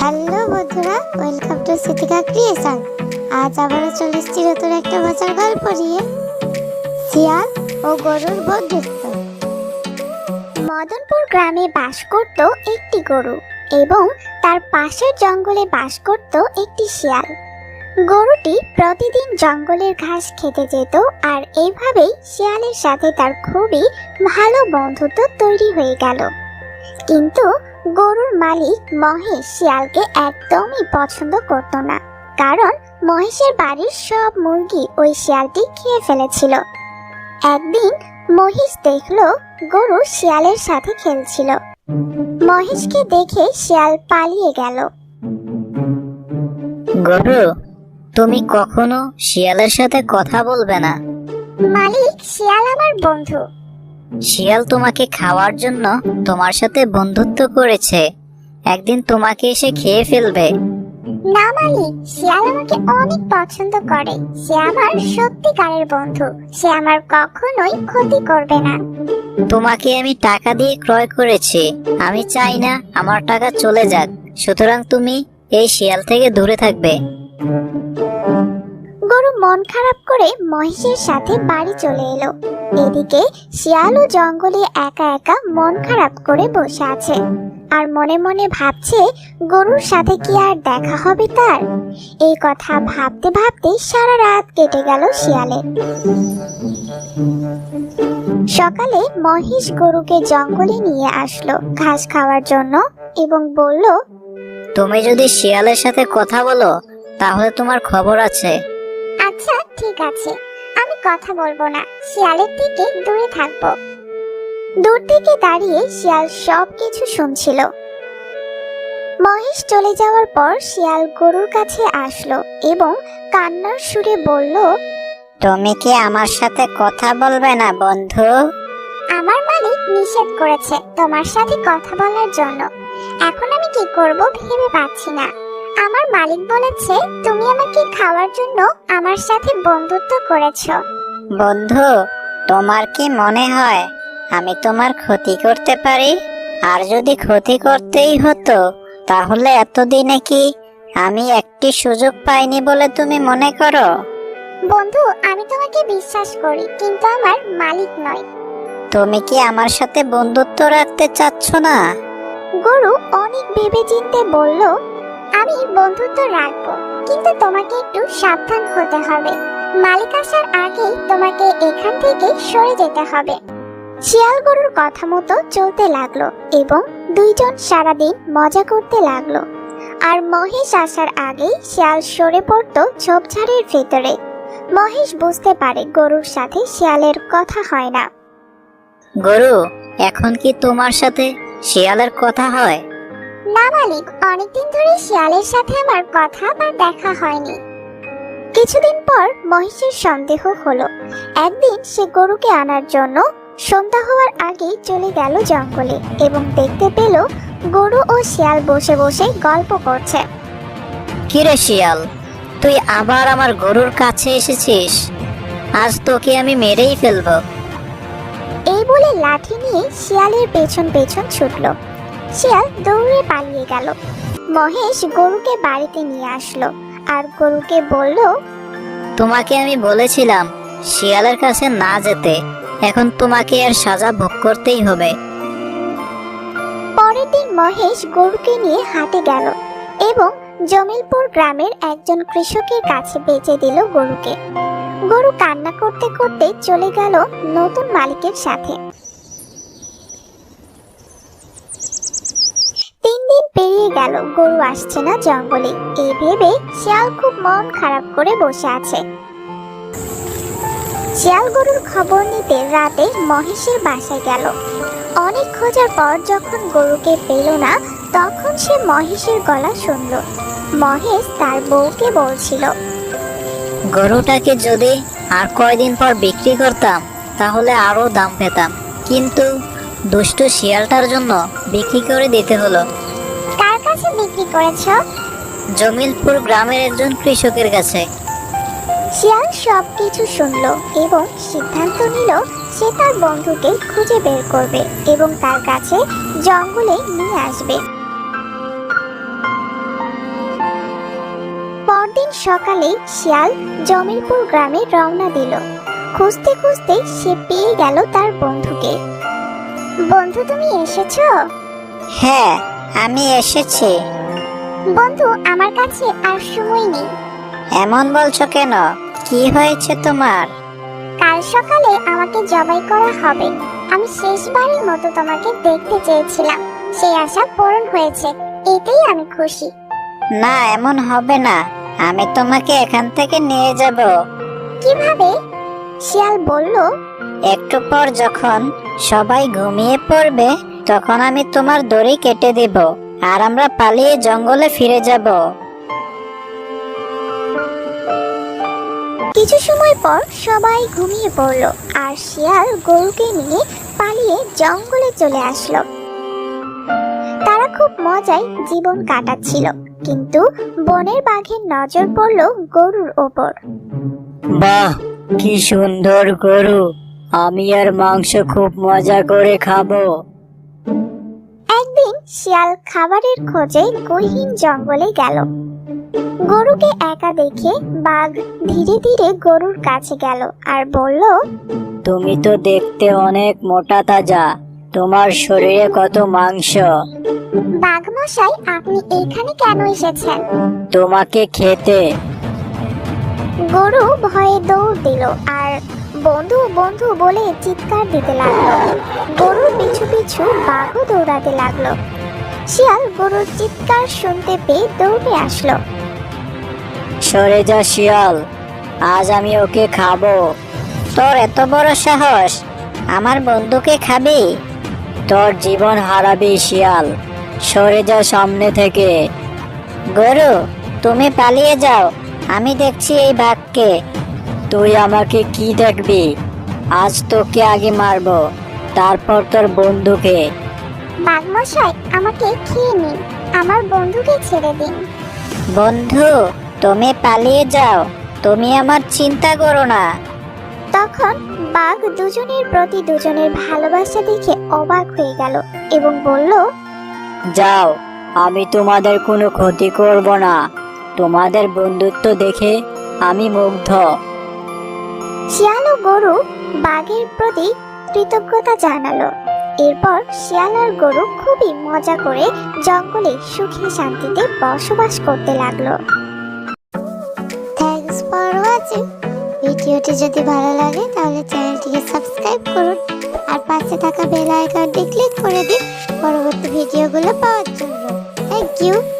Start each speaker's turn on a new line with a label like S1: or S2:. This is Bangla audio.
S1: হ্যালো বন্ধুরা, ওয়েলকাম টু সিতিকা ক্রিয়েশন। আজ আবারও চলে এসেছি নতুন একটা মজার গল্প নিয়ে, শিয়াল ও গরুর বন্ধুত্ব। মদনপুর গ্রামে বাস করত একটি গরু এবং তার পাশের জঙ্গলে বাস করত একটি শিয়াল। গরুটি প্রতিদিন জঙ্গলের ঘাস খেতে যেত আর এইভাবেই শিয়ালের সাথে তার খুবই ভালো বন্ধুত্ব তৈরি হয়ে গেল। কিন্তু গরুর মালিক মহেশ শিয়ালকে একদমই পছন্দ করত না, কারণ মহেশের বাড়ির সব মুরগি ওই শিয়ালটি খেয়ে ফেলেছিল। একদিন মহেশ দেখলো গরু শিয়ালের সাথে খেলছিল। মহেশকে দেখে শিয়াল পালিয়ে গেল।
S2: গরু, তুমি কখনো শিয়ালের সাথে কথা বলবে না।
S1: মালিক, শিয়াল আমার বন্ধু।
S2: শিয়াল তোমাকে খাওয়ার জন্য তোমার সাথে বন্ধুত্ব করেছে, একদিন তোমাকে এসে খেয়ে ফেলবে।
S1: না মালিক, শিয়াল আমাকে অনেক পছন্দ করে। সে আমার সত্যিকারের বন্ধু। সে আমার কখনোই ক্ষতি করবে না।
S2: তোমাকে আমি টাকা দিয়ে ক্রয় করেছি, আমি চাই না আমার টাকা চলে যাক, সুতরাং তুমি এই শিয়াল থেকে দূরে থাকবে।
S1: গরু মন খারাপ করে মহেশের সাথে বাড়ি চলে এলো। এদিকে শিয়ালও জঙ্গলে একা একা মন খারাপ করে বসে আছে আর মনে মনে ভাবছে গরুর সাথে কি আর দেখা হবে তার। এই কথা ভাবতে ভাবতে সারা রাত কেটে গেল শিয়ালের। সকালে মহেশ গরুকে জঙ্গলে নিয়ে আসলো ঘাস খাওয়ার জন্য এবং বলল,
S2: তুমি যদি শিয়ালের সাথে কথা বলো তাহলে তোমার খবর আছে।
S1: আচ্ছা ঠিক আছে, আমি কথা বলবো না, শিয়ালের থেকে দূরে থাকবো। দূর থেকে দাঁড়িয়ে শিয়াল সবকিছু শুনছিল। মহেশ চলে যাওয়ার পর শিয়াল গরুর কাছে আসলো এবং কান্নার সুরে বলল,
S2: তুমি কি আমার সাথে কথা বলবে না বন্ধু?
S1: আমার মালিক নিষেধ করেছে তোমার সাথে কথা বলার জন্য। এখন আমি কি করব ভেবে পাচ্ছি না। আমার মালিক বলেছে তুমি আমাকে খাওয়ার জন্য আমার সাথে বন্ধুত্ব করেছো।
S2: বন্ধু, তোমার কি মনে হয় আমি তোমার ক্ষতি করতে পারি? আর যদি ক্ষতি করতেই হতো তাহলে এতদিনে কি আমি একটি সুযোগ পাইনি বলে তুমি মনে করো?
S1: বন্ধু, আমি তোমাকে বিশ্বাস করি, কিন্তু আমার মালিক নয়।
S2: তুমি কি আমার সাথে বন্ধুত্ব রাখতে চাচ্ছ না?
S1: গরু অনেক ভেবেচিন্তে বলল, আমি বন্ধুত্ব রাখবো, কিন্তু তোমাকে একটু সাবধান হতে হবে। মালিক আসার আগেই তোমাকে এখান থেকে সরে যেতে হবে। শিয়াল গরুর কথা মতো চলতে লাগলো এবং দুইজন সারাদিন মজা করতে লাগলো। আর মহেশ আসার আগেই শিয়াল সরে পড়তো ঝোপঝাড়ের ভেতরে। মহেশ বুঝতে পারে গরুর সাথে শিয়ালের কথা হয় না।
S2: গরু, এখন কি তোমার সাথে শিয়ালের কথা হয়?
S1: না মালিক, অনেকদিন ধরে শিয়ালের সাথে আমার কথা বা দেখা হয়নি। কিছুদিন পর মহেশের সন্দেহ হলো। একদিন সে গরুকে আনার জন্য সন্ধ্যা হওয়ার আগেই চলে গেল জঙ্গলে এবং দেখতে পেল গরু ও শিয়াল বসে বসে গল্প করছে।
S2: কিরে শিয়াল, তুই আবার আমার গরুর কাছে এসেছিস? আজ তোকে আমি মেরেই ফেলবো।
S1: এই বলে লাঠি নিয়ে শিয়ালের পেছন পেছন ছুটলো। শিয়াল দৌড়ে পালিয়ে গেল। মহেশ গরুকে বাড়িতে নিয়ে আসলো আর গরুকে বলল,
S2: তোমাকে আমি বলেছিলাম শিয়ালের কাছে না যেতে, এখন তোমাকে এর সাজা ভোগ করতেই হবে।
S1: পরের দিন মহেশ গরুকে নিয়ে হাটে গেল এবং জমিলপুর গ্রামের একজন কৃষকের কাছে বেচে দিল গরুকে। গরু কান্না করতে করতে চলে গেল নতুন মালিকের সাথে। 3 দিন পেরিয়ে গেল, গরু আসছে না জঙ্গলে। এই ভেবে শিয়াল খুব মন খারাপ করে বসে আছে। শিয়াল গরুর খবর নিতে রাতে মহেশের বাসায় গেল। অনেক খোঁজার পর যখন গরুকে পেল না, তখন সে মহেশের গলা শুনল। মহেশ তার বউকে বলছিল,
S2: গরুটাকে যদি আর কয়দিন পর বিক্রি করতাম তাহলে আরো দাম পেতাম, কিন্তু দুষ্ট শিয়ালটার জন্য বিক্রি করে দিতে হলো।
S1: কার কাছে বিক্রি করেছ?
S2: জমিলপুর গ্রামের একজন কৃষকের কাছে।
S1: শিয়াল সবকিছু শুনল এবং সিদ্ধান্ত নিল সে তার বন্ধুকে খুঁজে বের করবে এবং তার কাছে জঙ্গলে নিয়ে আসবে। দিন সকালে শিয়াল জমিরপুর গ্রামে রওনা দিল। খুঁজতে খুঁজতে সে পেয়ে গেল তার বন্ধুকে। বন্ধু, তুমি এসেছো?
S2: হ্যাঁ, আমি এসেছি।
S1: বন্ধু, আমার কাছে আর সময় নেই।
S2: এমন বলছো কেন? কি হয়েছে তোমার?
S1: কাল সকালে আমাকে জবাই করা হবে। আমি শেষবারের মতো তোমাকে দেখতে চেয়েছিলাম, সেই আশা পূরণ হয়েছে, এতেই আমি খুশি।
S2: না, এমন হবে না। আমি তোমাকে এখান থেকে নিয়ে যাব।
S1: কিভাবে? শিয়াল বলল,
S2: একটু পর যখন সবাই ঘুমিয়ে পড়বে তখন আমি তোমার দড়ি কেটে দেব আর আমরা পালিয়ে জঙ্গলে ফিরে যাব।
S1: কিছু সময় পর সবাই ঘুমিয়ে পড়ল আর শিয়াল গরুকে নিয়ে পালিয়ে জঙ্গলে চলে আসলো। তারা খুব মজায় জীবন কাটাচ্ছিল, কিন্তু বনের বাঘের নজর পড়ল গরুর ওপর।
S2: বাহ, কি সুন্দর গরু! আমি আর মাংস খুব মজা করে খাবো।
S1: একদিন শিয়াল খাবারের খোঁজে গহীন জঙ্গলে গেল। গরুকে একা দেখে বাঘ ধীরে ধীরে গরুর কাছে গেল আর বলল,
S2: তুমি তো দেখতে অনেক মোটা তাজা, তোমার শরীরে কত মাংস।
S1: বাঘ মশাই, আপনি এইখানে কেন এসেছেন?
S2: তোমাকে খেতে।
S1: গরু ভয়ে দৌড় দিল আর বন্ধু বন্ধু বলে চিৎকার দিতে লাগলো। গরুর পিছু পিছু বাঘও দৌড়াতে লাগলো। শিয়াল গরুর চিৎকার শুনতে পেয়ে দৌড়ে আসলো।
S2: সরে যা শিয়াল, আজ আমি ওকে খাবো। তোর এত বড় সাহস, আমার বন্ধুকে খাবি? তোর জীবন হারাবি শিয়াল, সরে যা সামনে থেকে। গরু, তুমি পালিয়ে যাও, আমি দেখছি এই বাঘকে। তুই আমাকে কি দেখবি? আজ তোকে আগে মারবো, তারপর তোর বন্ধুকে।
S1: বাঘ মশাই, আমাকে খেয়ে নিন, আমার বন্ধুকে ছেড়ে দিন।
S2: বন্ধু, তুমি পালিয়ে যাও, তুমি আমার চিন্তা করো না।
S1: তখন বাঘ দুজনের প্রতি দুজনের ভালোবাসা দেখে অবাক হয়ে গেল এবং বলল,
S2: যাও, আমি তোমাদের কোনো ক্ষতি করব না। তোমাদের বন্ধুত্ব দেখে আমি মুগ্ধ।
S1: শিয়াল ও গরু বাঘের প্রতি কৃতজ্ঞতা জানালো। এরপর শিয়াল আর গরু খুবই মজা করে জঙ্গলে সুখে শান্তিতে বসবাস করতে লাগলো। Thanks for watching. ভিডিওটি যদি ভালো লাগে তাহলে চ্যানেলটিকে সাবস্ক্রাইব করুন আর পাশে থাকা বেল আইকনটি ক্লিক করে দিন পরবর্তী ভিডিওগুলো পাওয়ার জন্য। Thank you.